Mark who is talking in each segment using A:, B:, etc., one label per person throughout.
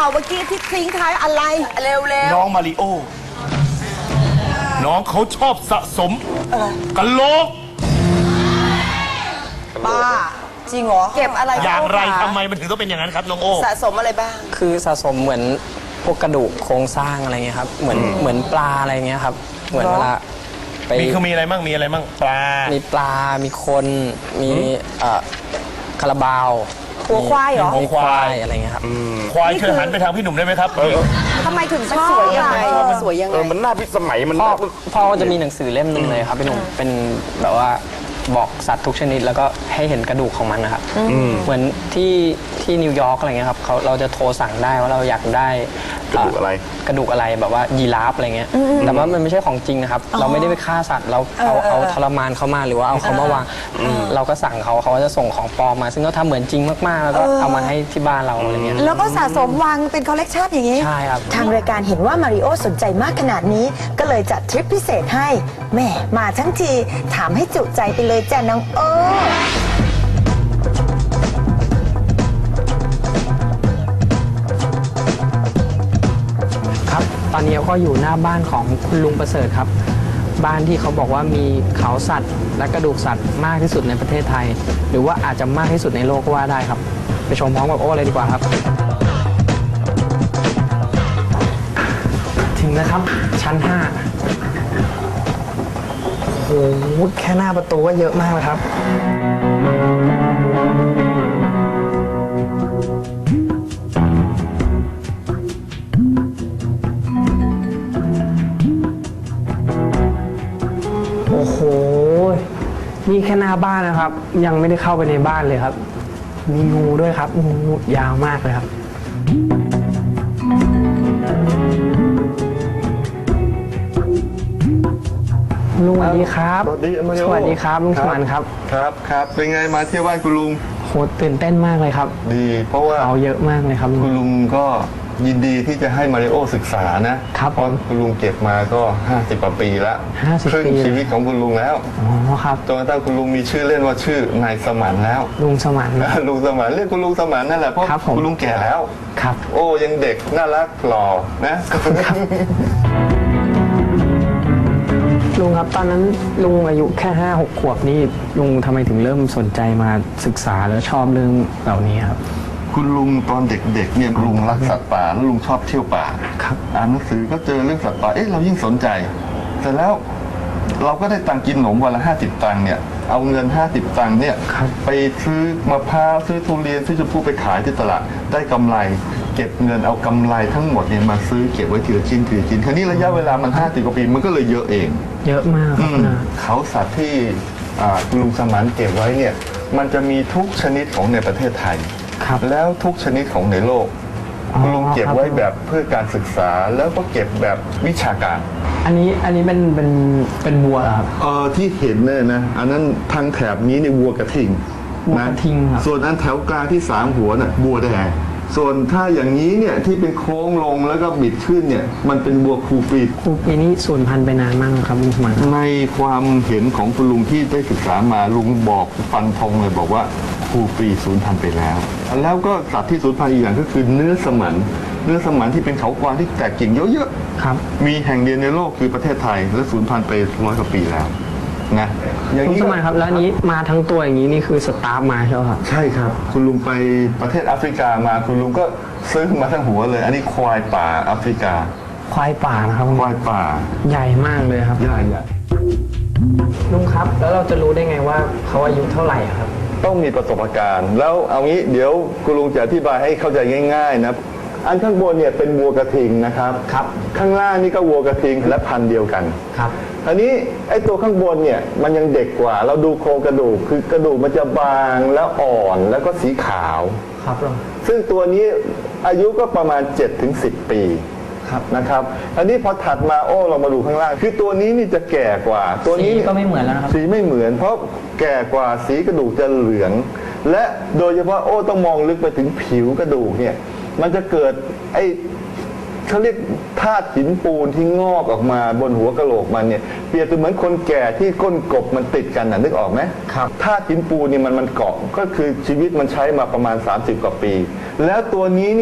A: เมื่อกี้ที่ทิ้งท้ายอะไรเร็ว
B: น้องมาริโอ น้องเขาชอบสะสมกะโหลก
A: ๆป้าจริงเหรอเก็บอะไร
B: อย่างไรทำไมมันถึงต้องเป็นอย่างนั้นครับน้องโอ
A: สะสมอะไรบ้าง
C: คือสะสมเหมือนพวกกระดูกโครงสร้างอะไรเงี้ยครับเหมือนปลาอะไรเงี้ยครับเหมือนเวลาไป
B: มีอะไรมั่งมีอะไรมั่งปลา
C: มีปลา มีคนมีคาราบาว
A: หัวควายเหรอ
C: มีควายอะไรเงี้ยครับ
B: ควายช่วยหันไปทางพี่หนุ่มได้ไหมครับ
A: ทำไมถึงชอบสวยยังไงมันสวยยังไง
D: มันน่าพิสมัยมัน
C: พ่อก็จะมีหนังสือเล่มหนึ่งเลยครับพี่หนุ่มเป็นแบบว่าบอกสัตว์ทุกชนิดแล้วก็ให้เห็นกระดูกของมันนะครับเหมือนที่นิวยอร์กอะไรเงี้ยครับเราจะโทรสั่งได้ว่าเราอยากได้
D: กระดูกอะไร
C: กระดูกอะไรแบบว่ายีราฟอะไรเงี้ยแต่ว่ามันไม่ใช่ของจริงนะครับเราไม่ได้ไปฆ่าสัตว์เราเอาทรมานเขามาหรือว่าเอาเขามาวางเราก็สั่งเขาก็จะส่งของปลอมมา ซึ่งเขาทำเหมือนจริงมากๆแล้วก็เอามาให้ที่บ้านเราอะไรเงี้ย
E: แล้วก็สะสมวางเป็นคอลเลกชันอย่างนี้
C: ใช่ครับ
E: ทางรายการเห็นว่ามาริโอสนใจมากขนาดนี้ ก็เลยจัดทริปพิเศษให้แหม่มาทั้งทีถามให้จุใจไปเลยจ้ะน้องโอ
C: ครับตอนนี้ก็อยู่หน้าบ้านของคุณลุงประเสริฐครับ บ้านที่เขาบอกว่ามีเขาสัตว์และกระดูกสัตว์มากที่สุดในประเทศไทย หรือว่าอาจจะมากที่สุดในโลกก็ว่าได้ครับ ไปชมพร้อมกับโอ้เลยดีกว่าครับ ถึงแล้วครับชั้น 5โอ้โหแค่หน้าประตูก็เยอะมากเลยครับ โอ้โห นี่แค่หน้าบ้านนะครับ ยังไม่ได้เข้าไปในบ้านเลยครับ มีงูด้วยครับงูยาวมากเลยครับ ลุงสวัสดีครับ
D: สวัสดีมาริโอ
C: สวัสดีครับลุงสมานครับ
D: ครับเป็นไงมาเที่ยวบ้านคุณลุง
C: โหตื่นเต้นมากเลยครับ
D: ดี เพราะว่า
C: เขาเยอะมากเลยครับลุ
D: คุณ
C: ง
D: ลุงก็ยินดีที่จะให้มาริโอศึกษานะครับ เพราะคุณลุงเก็บมาก็50กว่าปีแล้ว
C: 50
D: ครึ่ง
C: ปี
D: ชีวิตของคุณลุงแล้ว
C: อ๋อครับ
D: จนกระทั่งคุณลุงมีชื่อเล่นว่าชื่อนายสมานแล้ว
C: ลุงสมาน
D: ลุงสมานเรียกคุณลุงสมานนั่นแหละเพราะ
C: ครับผม
D: คุณลุงแก่แล้ว
C: ครับ
D: โอ้ยังเด็กน่ารักหล่อนะ
C: ลุงครับตอนนั้นลุงอายุแค่5-6 ขวบนี่ลุงทำไมถึงเริ่มสนใจมาศึกษาแล้วชอบเรื่องเหล่านี้ครับ
D: คุณลุงตอนเด็กๆเนี่ยลุงรักสัตว์ป่าแล้วลุงชอบเที่ยวป่า
C: ครับ
D: อ่านหนังสือก็เจอเรื่องสัตว์ป่าเรายิ่งสนใจแต่แล้วเราก็ได้ตังค์กินหนมวันละ50 ตังค์เนี่ยเอาเงิน50 ตังค์เนี่ยไปซื้อมะพร้าวซื้อทุเรียนซื้อชมพู่ไปขายที่ตลาดได้กำไร เก็บเงินเอากำไรทั้งหมดเนี่ยมาซื้อเก็บไว้ทีละชิ้นทีละชิ้นคราวนี้ระยะเวลามัน50 กว่าปีมันก็เลยเยอะเอง
C: เยอะมากครับนะ
D: เขาสัตว์ที่คุณลุงสมานเก็บไว้เนี่ยมันจะมีทุกชนิดของในประเทศไทย
C: ครับ
D: แล้วทุกชนิดของในโลก
C: อ๋อ
D: คุณลุงเก็บ
C: ครับ
D: ไว้แบบเพื่อการศึกษาแล้วก็เก็บแบบวิชาการ
C: อันนี้เป็นบัวเหรอครับ
D: ที่เห็นเนี่ยนะอันนั้นทางแถบนี้ในยวัวกระทิง
C: วัวกระทิงครับ
D: ส่วนอันแถวกลางที่3 หัวน่ะบัวแดงส่วนถ้าอย่างนี้เนี่ยที่เป็นโค้งลงแล้วก็บิดขึ้นเนี่ยมันเป็นบัวคูปี
C: ครูปีนี้สูญพันธุ์ไปนานมากครับลุงสมาน
D: ในความเห็นของคุณลุงที่ได้ศึกษามาลุงบอกฟันธงเลยบอกว่าครูปีสูญพันธุ์ไปแล้ว แล้วก็สัตว์ที่สูญพันธุ์อีกอย่างก็คือเนื้อสมันที่เป็นเขากวางที่แตกกิ่งเยอะ
C: ครับ
D: ๆมีแห่งเดียวในโลกคือประเทศไทยและสูญพันธุ์ไป100 กว่าปีแล้วนะอย่าง
C: ลุง
D: นี้
C: สมานครับแล้วอันนี้มาทั้งตัวอย่างนี้นี่คือสตาฟมาใช่ไหมครับ
D: ใช่ครับ คุณลุงไปประเทศแอฟริกามาคุณลุงก็ซื้อมาทั้งหัวเลย อันนี้ควายป่าแอฟริกา
C: ควายป่านะครับ
D: ควายป่า
C: ใหญ่มากเลยครับ
D: ใหญ่
C: ลุงครับ แล้วเราจะรู้ได้ไงว่าเขาอายุเท่าไหร่อะครับ
D: ต้องมีประสบการณ์ แล้วเอางี้เดี๋ยวคุณลุงจะอธิบายให้เข้าใจง่ายๆนะอันข้างบนเนี่ยเป็นวัวกระทิงนะครับ
C: ครับ
D: ข้างล่างนี่ก็วัวกระทิงและพันธุ์เดียวกัน
C: ครับ
D: อันนี้ไอ้ตัวข้างบนเนี่ยมันยังเด็กกว่า เราดูโครงกระดูกคือกระดูกมันจะบางแล้วอ่อนแล้วก็สีขาว
C: ครับลุง
D: ซึ่งตัวนี้อายุก็ประมาณ 7-10 ปี
C: ครับ
D: นะครับ อันนี้พอถัดมาเรามาดูข้างล่าง คือตัวนี้นี่จะแก่กว่า ตัว
C: สี
D: นี้
C: ก็ไม่เหมือนแล้วนะครับ
D: สีไม่เหมือน เพราะแก่กว่าสีกระดูกจะเหลือง และโดยเฉพาะต้องมองลึกไปถึงผิวกระดูกเนี่ยมันจะเกิดเขาเรียกธาตุหินปูนที่งอกออกมาบนหัวกะโหลกมันเนี่ยเปรียบเสมือนคนแก่ที่ก้นกบมันติดกันนึกออกไหม
C: ครับ
D: ธาตุหินปูนเนี่ยมันเกาะก็คือชีวิตมันใช้มาประมาณ30 กว่าปี แล้วตัวนี้เนี่ย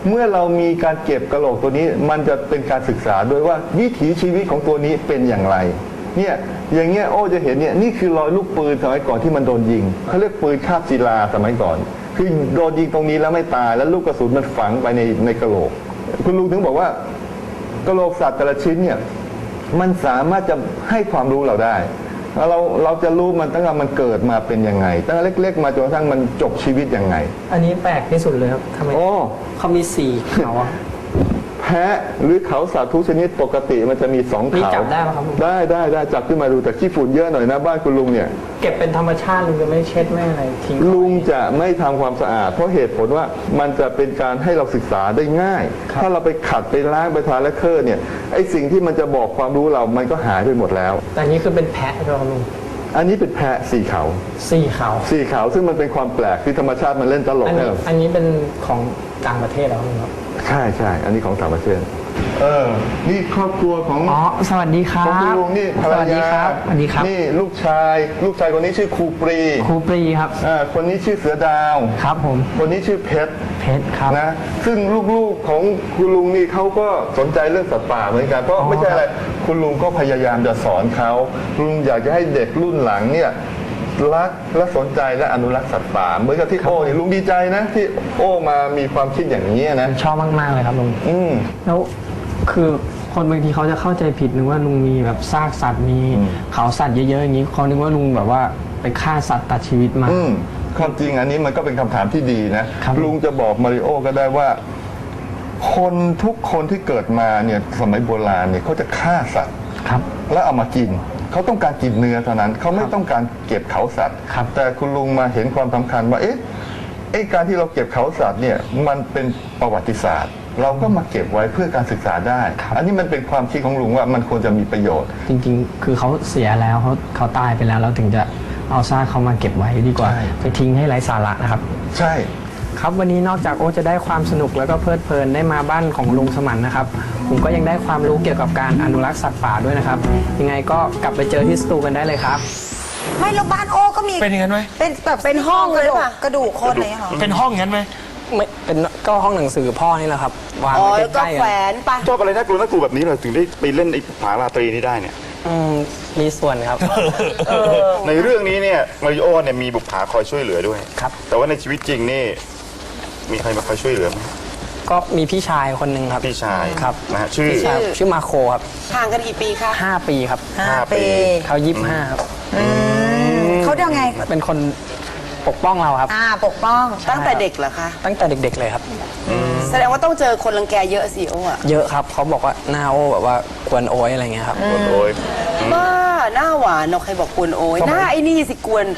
D: เมื่อเรามีการเก็บกะโหลกตัวนี้มันจะเป็นการศึกษาด้วยว่าวิถีชีวิตของตัวนี้เป็นอย่างไรเนี่ยอย่างเงี้ยโอ้จะเห็นเนี่ยนี่คือรอยลูกปืนสมัยก่อนที่มันโดนยิงเขาเรียกปืนคาบศิลาสมัยก่อนคือโดนยิงตรงนี้แล้วไม่ตายแล้วลูกกระสุนมันฝังไปในกะโหลกคุณลุงถึงบอกว่ากะโหลกสัตว์แต่ละชิ้นเนี่ยมันสามารถจะให้ความรู้เราได้เราจะรู้มันตั้งแต่มันเกิดมาเป็นยังไงตั้งแต่เล็กๆมาจนกระทั่งมันจบชีวิตยังไง
C: อันนี้แปลกที่สุดเลยครับทำไม
D: โอ้
C: เขามีสี่เขาอะ
D: แพะหรือเขาสัตว์ทุกชนิดปกติมันจะมีสอง
C: นี่
D: เขา
C: จับได้ไหมครับลุง
D: ได้จับขึ้นมาดูแต่ขี้ฝุ่นเยอะหน่อยนะบ้านคุณลุงเนี่ย
C: เก็บเป็นธรรมชาติลุงจะไม่เช็ดไม่อะไรทิ้ง
D: ลุงจะไม่ทำความสะอาดเพราะเหตุผลว่ามันจะเป็นการให้เราศึกษาได้ง่าย ถ้าเราไปขัดไปล้างไปทาและเคอร์เนี่ยไอสิ่งที่มันจะบอกความรู้เรามันก็หายไปหมดแล้ว
C: แต่อันนี้คือเป็นแพะใช่ไหมครับลุง
D: อันนี้เป็นแพะสี่เขา
C: สี่เขา
D: สี่เขาซึ่งมันเป็นความแปลกที่ธรรมชาติมันเล่นตลก
C: อัน
D: ให้
C: นี้
D: เรา
C: อันนี้เป็นของต่างประเทศแล้วครับ
D: ใช่ อันนี้ของต่างประเทศนี่ครอบครัวของ
C: อ๋อสวัสดีครับ
D: ของคุณลุงนี่ภรร
C: สวัสดี
D: ยา
C: ครับสวัสดีครับ
D: นี่ลูกชายคนนี้ชื่อครูปรี
C: ครูปรีครับ
D: คนนี้ชื่อเสือดาว
C: ครับผม
D: คนนี้ชื่อเพชร
C: เพชรครับ
D: นะซึ่งลูกๆของคุณลุงนี่เขาก็สนใจเรื่องสัตว์ป่าเหมือนกันเพราะไม่ใช่อะไรคุณลุงก็พยายามจะสอนเขาลุงอยากจะให้เด็กรุ่นหลังเนี่ยรักและสนใจและอนุรักษ์สัตว์ป่าเหมือนกับที่โอ้เนี่ยลุงดีใจนะที่โอ้มามีความคิดอย่างนี้นะ
C: ชอบมากๆเลยครับลุง
D: อืม
C: แล้วคือคนบางทีเขาจะเข้าใจผิดนึกว่าลุงมีแบบซากสัตว์มีเขาสัตว์เยอะๆอย่างนี้เขานึกว่าลุงแบบว่าไปฆ่าสัตว์ตัดชีวิตมา
D: ความจริงอันนี้มันก็เป็นคำถามที่ดีนะครับ ลุงจะบอกมาริโอก็ได้ว่า คนทุกคนที่เกิดมาเนี่ยสมัยโบราณเนี่ยเขาจะฆ่าสัตว์
C: ครับ
D: แล้วเอามากินเขาต้องการกินเนื้อเท่านั้นเขาไม่ต้องการเก็บเขาสัตว์
C: ครับ
D: แต่คุณลุงมาเห็นความสำคัญว่าการที่เราเก็บเขาสัตว์เนี่ยมันเป็นประวัติศาสตร์ เราก็มาเก็บไว้เพื่อการศึกษาได้ อันนี้มันเป็นความคิดของลุงว่ามันควรจะมีประโยชน์
C: จริงๆ คือเขาเสียแล้วเขาตายไปแล้วเราถึงจะเอาซากเขามาเก็บไว้ดีกว่า
D: ใช่
C: ไปทิ้งให้ไร้สาระนะครับ
D: ใช่
C: ครับวันนี้นอกจากโอจะได้ความสนุกแล้วก็เพลิดเพลินได้มาบ้านของลุงสมันนะครับ ผมก็ยังได้ความรู้เกี่ยวกับการอนุรักษ์สัตว์ป่าด้วยนะครับ ยังไงก็กลับไปเจอที่สตูกันได้เลยครับ
A: ไม่แล้วบ้านโอ้ก็มี
B: เป็นอย่างนั้นไหม
A: เป็นแบบเป็นห้องเลยป่ะกระดูกคนอะไรอย่างเงี้ยเหรอ
B: เป็นห้องอย่างนั้นไหม
C: ไม่เป็นก็ห้องหนังสือพ่อนี่แหละครับวาง
A: อ๋อ
C: ไว้
A: แล้วก็
C: ใกล้ๆ
A: แขว
C: กัน
A: นไป
F: ชอบอะไรน่ากลัวแบบนี้เลยถึงได้ไปเล่นไอ้ผาราตรีนี้ได้เนี่ย
C: มีส่วนครับ
F: ในเรื่องนี้เนี่ยมาริโอเนี่ยมีบุปผาคอยช่วยเหลือด้วย
C: ครับ
F: แต่ว่าในชีวิตจริงนี่มีใครมาคอยช่วยเหลือไหม
C: ก็มีพี่ชายคนหนึ่งครับ
F: พี่ชาย
C: ครับ
F: นะฮะชื่อ
C: พี่ชายชื่อมาโคครับ
A: ห่างกันกี่ปีคะ
C: 5 ปีครับ
F: 5 ปี
C: เขา25ครับ
A: เขายังไง
C: เป็นคนปกป้องเราครับ
A: ปกป้องตั้งแต่เด็กเหรอคะ
C: ตั้งแต่เด็กๆเลยครับ
A: แสดงว่าต้องเจอคนรังแกเยอะสิโอ้อะ
C: เยอะครับเขาบอกว่าหน้าโอแบบว่ากวนโอยอะไรเงี้ยครับ
F: โอ้ย
A: บ้าหน้าหวานเนาะใครบอกกวนโอ้ยหน้าไอ้นี่สิกวน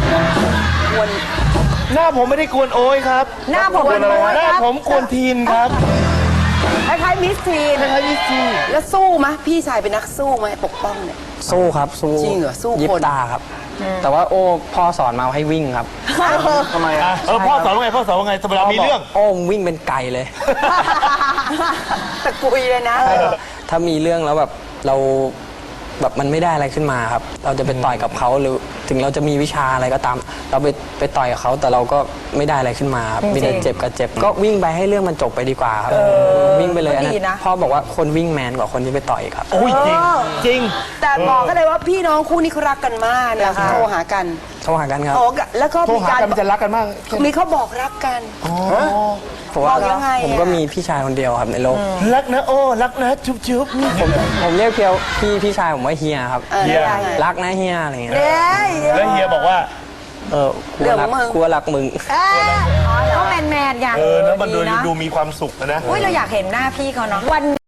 B: หน้าผมไม่ได้กวนโอ้ยครับ
A: หน้าผมกวนโอ้ย
B: หน้า
A: ครับ
B: ผมกวนทีนครับ
A: คล้ายๆมิสทีน
B: คล้ายๆมิสทีน
A: แล้วสู้ไหมพี่ชายเป็นนักสู้ไหมปกป้องเนี่ย
C: สู้ครับสู้
A: จริงเหรอสู้คน
C: ยิบตาครับ แต่ว่าโอ้พ่อสอนมาให้วิ่งครับ
F: ทำไมอ่ะ
B: พ่อสอนว่าไงพ่อสอนว่าไงเวลามีเรื่อง
C: โอ้วิ่งเป็นไก่เลย
A: ตะกุยเลยนะ
C: ถ้ามีเรื่องแล้วแบบเราแบบมันไม่ได้อะไรขึ้นมาครับ เราจะไปต่อยกับเขาหรือถึงเราจะมีวิชาอะไรก็ตาม เราไปต่อยกับเขาแต่เราก็ไม่ได้อะไรขึ้นมาครับมีแต่เจ็บกับเจ็บก็วิ่งไปให้เรื่องมันจบไปดีกว่าครับวิ่งไปเลยอันนั้
A: ก็ดีนะ
C: นพ่อบอกว่าคนวิ่งแมนกว่าคนที่ไปต่อยครับ
B: โอ้ยจริง จริง
A: แต่บอกก็เลยว่าพี่น้องคู่นี้เขารักกันมากนะคะโทรหากัน
C: โทรหากันครับ
A: โอ้แล้วก็
B: โทร
A: มี
B: หา
A: การ
B: กันมันจะรักกันมาก
A: มีเขาบอกรักกัน
C: ผมว่า
A: บอกยังไงอะ
C: ผมก็มีพี่ชายคนเดียวครับในโลก
B: รักนะโอ้ รักนะจุ๊บจุ๊บ
C: ผมเรียกพี่ชายผมว่าเฮียครับ
B: เฮีย
A: ได้ไง
C: รักนะเฮียอะไรเงี้ย
A: เด้ย
B: แล้วเฮียบอกว่า
C: กลัวรัก
A: เรื่องมึง
C: กลัวรักมึง
G: เขาแมนๆไง
B: แล้วมัน
G: ดีนะ
B: ดูมีความสุขนะ
G: อุ้ยเราอยากเห็นหน้าพี่เขาเนาะวัน